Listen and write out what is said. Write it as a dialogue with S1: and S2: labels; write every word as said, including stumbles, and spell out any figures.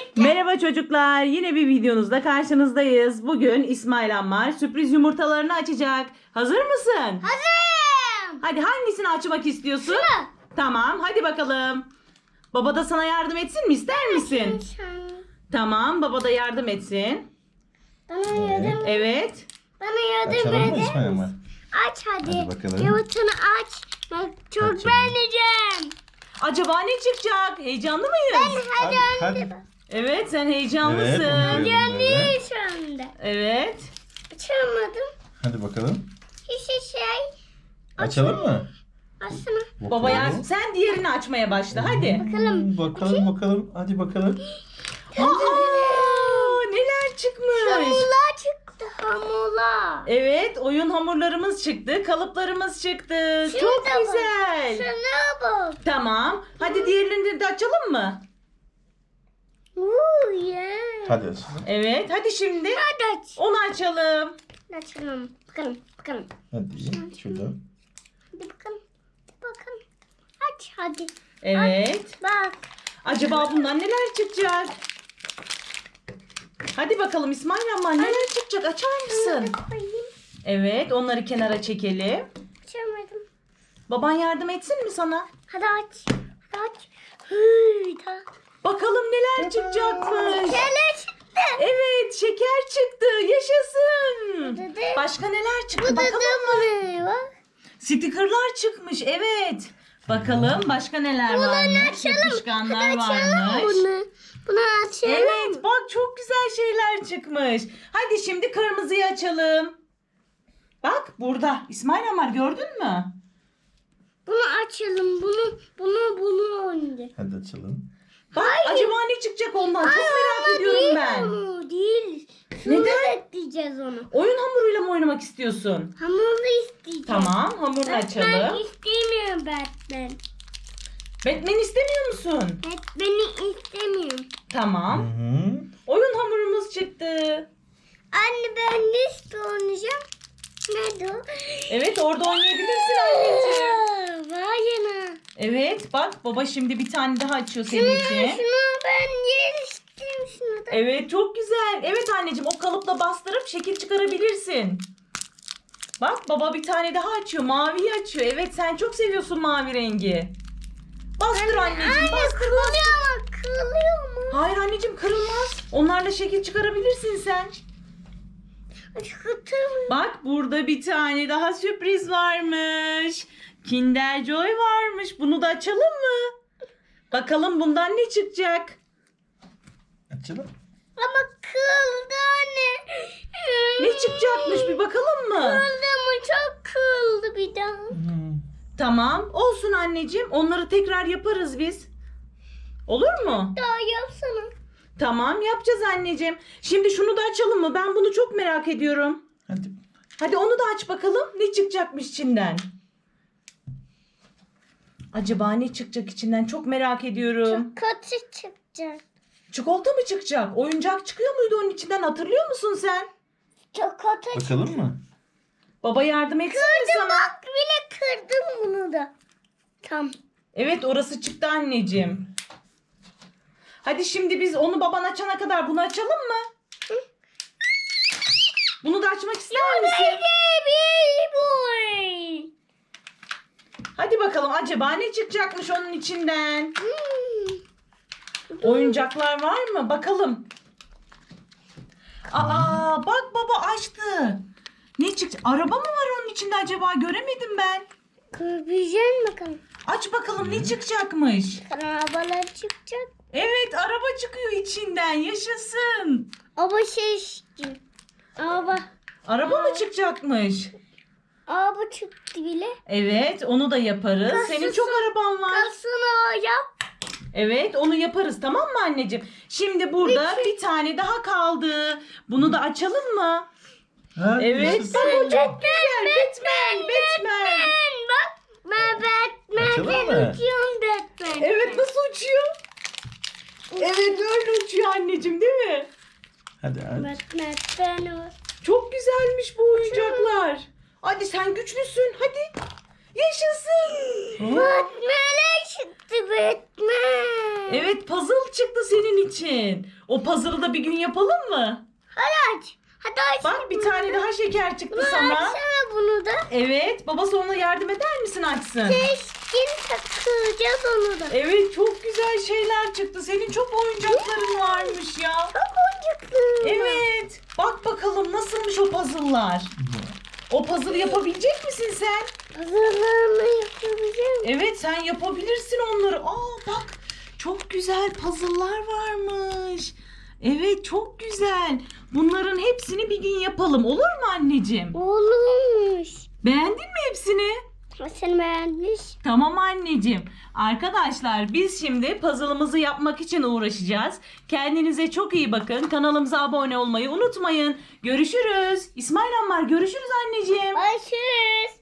S1: Merhaba çocuklar. Yine bir videonuzda karşınızdayız. Bugün İsmail Ammar sürpriz yumurtalarını açacak. Hazır mısın?
S2: Hazırım.
S1: Hadi hangisini açmak istiyorsun?
S2: Şunu.
S1: Tamam, hadi bakalım. Baba da sana yardım etsin mi? İster misin? Tamam, baba da yardım etsin.
S2: Bana yardım.
S1: Evet.
S2: Bana yardım
S3: Açalım mı
S2: eder
S3: İsmail
S2: misin?
S3: Ammar?
S2: Aç hadi.
S3: Hadi bakalım.
S2: Yumurtanı aç. Ben çok
S3: Açalım.
S2: beğeneceğim.
S1: Acaba ne çıkacak? Heyecanlı mıyız?
S2: Hadi
S3: Hadi,
S2: anne.
S3: hadi.
S1: Evet, sen
S3: Evet,
S1: heyecanlısın.
S3: onu görüyorum böyle.
S2: Yanıyor şu anda.
S1: Evet.
S2: Açamadım.
S3: Hadi bakalım.
S2: Hiçbir şey.
S3: Açalım mı?
S2: Aslında.
S1: Baba
S3: Bakalım.
S1: yardım. Sen diğerini açmaya başla. Hadi.
S2: Bakalım.
S3: Hmm, Bakalım bakalım. Hadi bakalım.
S1: Aa, neler çıkmış?
S2: Hamurlar çıktı. Hamurlar.
S1: Evet, oyun hamurlarımız çıktı, kalıplarımız çıktı.
S2: Şuna
S1: Çok
S2: bak.
S1: güzel.
S2: Şuna bak.
S1: Tamam. Hadi diğerlerini de açalım mı?
S2: Uuu yeah.
S3: Hadi açalım.
S1: Evet, hadi şimdi
S2: Hadi aç.
S1: onu açalım.
S2: Açalım. Bakalım. Bakalım.
S3: Hadi şurada.
S2: Hadi bakalım. Hadi bakalım. Aç hadi.
S1: Evet.
S2: Bak.
S1: Acaba bundan neler çıkacak? Hadi bakalım İsmail Ammar neler çıkacak? Açar mısın?
S2: Şunu koyayım.
S1: Evet, onları kenara çekelim.
S2: Açamadım.
S1: Baban yardım etsin mi sana?
S2: Hadi aç. Hadi aç. Hıy da.
S1: Bakalım neler çıkacakmış.
S2: Şöyle çıktı.
S1: Evet, şeker çıktı. Yaşasın.
S2: Dede.
S1: Başka neler
S2: Bu
S1: çıktı?
S2: da
S1: Bakalım.
S2: bu ne bak.
S1: Stikerler çıkmış, evet. Bakalım başka neler varmış? Yapışkanlar
S2: Hadi açalım
S1: varmış.
S2: bunu. Bunu açalım.
S1: Evet, bak çok güzel şeyler çıkmış. Hadi şimdi kırmızıyı açalım. Bak burada. İsmail Ammar gördün mü?
S2: Bunu açalım. Bunu bunu bunu önce.
S3: Hadi açalım.
S1: Bak acaba ne çıkacak ondan? Çok merak ediyorum
S2: değil
S1: ben.
S2: Onu değil. Şunu
S1: Neden?
S2: bekleyeceğiz onu.
S1: Oyun hamuruyla mı oynamak istiyorsun?
S2: Hamurlu isteyeceğim.
S1: Tamam, hamurunu
S2: Ben
S1: açalım.
S2: istemiyorum Batman.
S1: Batman istemiyor musun?
S2: Batman'i istemiyorum.
S3: Hı
S1: Tamam.
S3: hı.
S1: Oyun hamurumuz çıktı.
S2: Anne ben ne istiyorum? Nerede o?
S1: Evet, orada oynayabilirsin anneciğim.
S2: Aa, Vay yana.
S1: Evet, bak baba şimdi bir tane daha açıyor senin
S2: Şunu,
S1: için.
S2: şunu ben yer istiyorum şunu da.
S1: Evet, çok güzel. Evet anneciğim, o kalıpla bastırıp şekil çıkarabilirsin. Bak baba bir tane daha açıyor. Maviyi açıyor. Evet, sen çok seviyorsun mavi rengi. Bastır anneciğim,
S2: Anne
S1: bastır.
S2: kırılıyor mu? Kırılıyor mu?
S1: Hayır anneciğim, kırılmaz. Onlarla şekil çıkarabilirsin sen.
S2: Çıkartamıyorum.
S1: Bak burada bir tane daha sürpriz varmış. Kinder Joy varmış. Bunu da açalım mı? Bakalım bundan ne çıkacak?
S3: Açalım.
S2: Ama kırıldı anne.
S1: Ne çıkacakmış bir bakalım mı?
S2: Kırıldı mı? Çok kırıldı bir daha.
S3: Hı.
S1: Tamam. Olsun anneciğim. Onları tekrar yaparız biz. Olur mu?
S2: Daha yapsana.
S1: Tamam yapacağız anneciğim. Şimdi şunu da açalım mı? Ben bunu çok merak ediyorum.
S3: Hadi.
S1: Hadi onu da aç bakalım. Ne çıkacakmış içinden? Acaba ne çıkacak içinden? Çok merak ediyorum.
S2: Çok kötü çıkacak.
S1: Çikolata mı çıkacak? Oyuncak çıkıyor muydu onun içinden? Hatırlıyor musun sen?
S2: Çok kötü çıkacak.
S3: Bakalım mı?
S1: Baba yardım etsin mi
S2: Kırdım
S1: sana?
S2: bak bile kırdım bunu da. Tam.
S1: Evet orası çıktı anneciğim. Hadi şimdi biz onu baban açana kadar bunu açalım mı? Bunu da açmak ister misin?
S2: Baby boy.
S1: Hadi bakalım acaba ne çıkacakmış onun içinden?
S2: Hmm.
S1: Oyuncaklar var mı? Bakalım. Aa bak baba açtı. Ne çıktı? Araba mı var onun içinde acaba? Göremedim ben.
S2: Kırpacağım bakalım.
S1: Aç bakalım ne çıkacakmış.
S2: Arabalar çıkacak.
S1: Evet araba çıkıyor içinden. Yaşasın.
S2: Araba şey istiyor. Araba.
S1: Araba mı çıkacakmış?
S2: Araba çıktı bile.
S1: Evet onu da yaparız.
S2: Kasası-
S1: Senin çok araban var.
S2: Kasını yap.
S1: Evet onu yaparız tamam mı anneciğim? Şimdi burada bir tane daha kaldı. Bunu da açalım mı?
S3: Hadi
S1: Evet.
S3: yaşasın.
S1: Bak o çok güzel. Batman. Batman.
S2: Ben bak. Ben Batman.
S3: Açalım
S2: Ben
S3: mı?
S2: uçuyorum Batman.
S1: Evet nasıl uçuyor? Evet öyle uçuyor anneciğim değil mi?
S3: Hadi aç.
S2: Batman ben o.
S1: Çok güzelmiş bu oyuncaklar. Hadi sen güçlüsün hadi. Yaşasın.
S2: Batman'e çıktı Batman.
S1: Evet, puzzle çıktı senin için. O puzzle'ı da bir gün yapalım mı?
S2: Hadi aç. Hadi aç.
S1: Bak, bir tane daha şeker çıktı
S2: Bunu
S1: sana.
S2: açsana bunu da.
S1: Evet, babası ona yardım eder misin açsın?
S2: Keskin takacağız onu da.
S1: Evet, çok güzel şeyler çıktı. Senin çok oyuncakların varmış ya.
S2: Çok oyuncaklı.
S1: Evet. Bak bakalım nasılmış o puzzle'lar. O puzzle yapabilecek misin sen?
S2: Hazırlığını yapabileceğim.
S1: Evet, sen yapabilirsin onları. Aa bak, çok güzel puzzle'lar varmış. Evet, çok güzel. Bunların hepsini bir gün yapalım. Olur mu anneciğim?
S2: Olmuş.
S1: Beğendin mi hepsini?
S2: Sen beğenmiş.
S1: Tamam anneciğim. Arkadaşlar, biz şimdi puzzle'ımızı yapmak için uğraşacağız. Kendinize çok iyi bakın. Kanalımıza abone olmayı unutmayın. Görüşürüz. İsmail Ammar, görüşürüz anneciğim.
S2: Görüşürüz.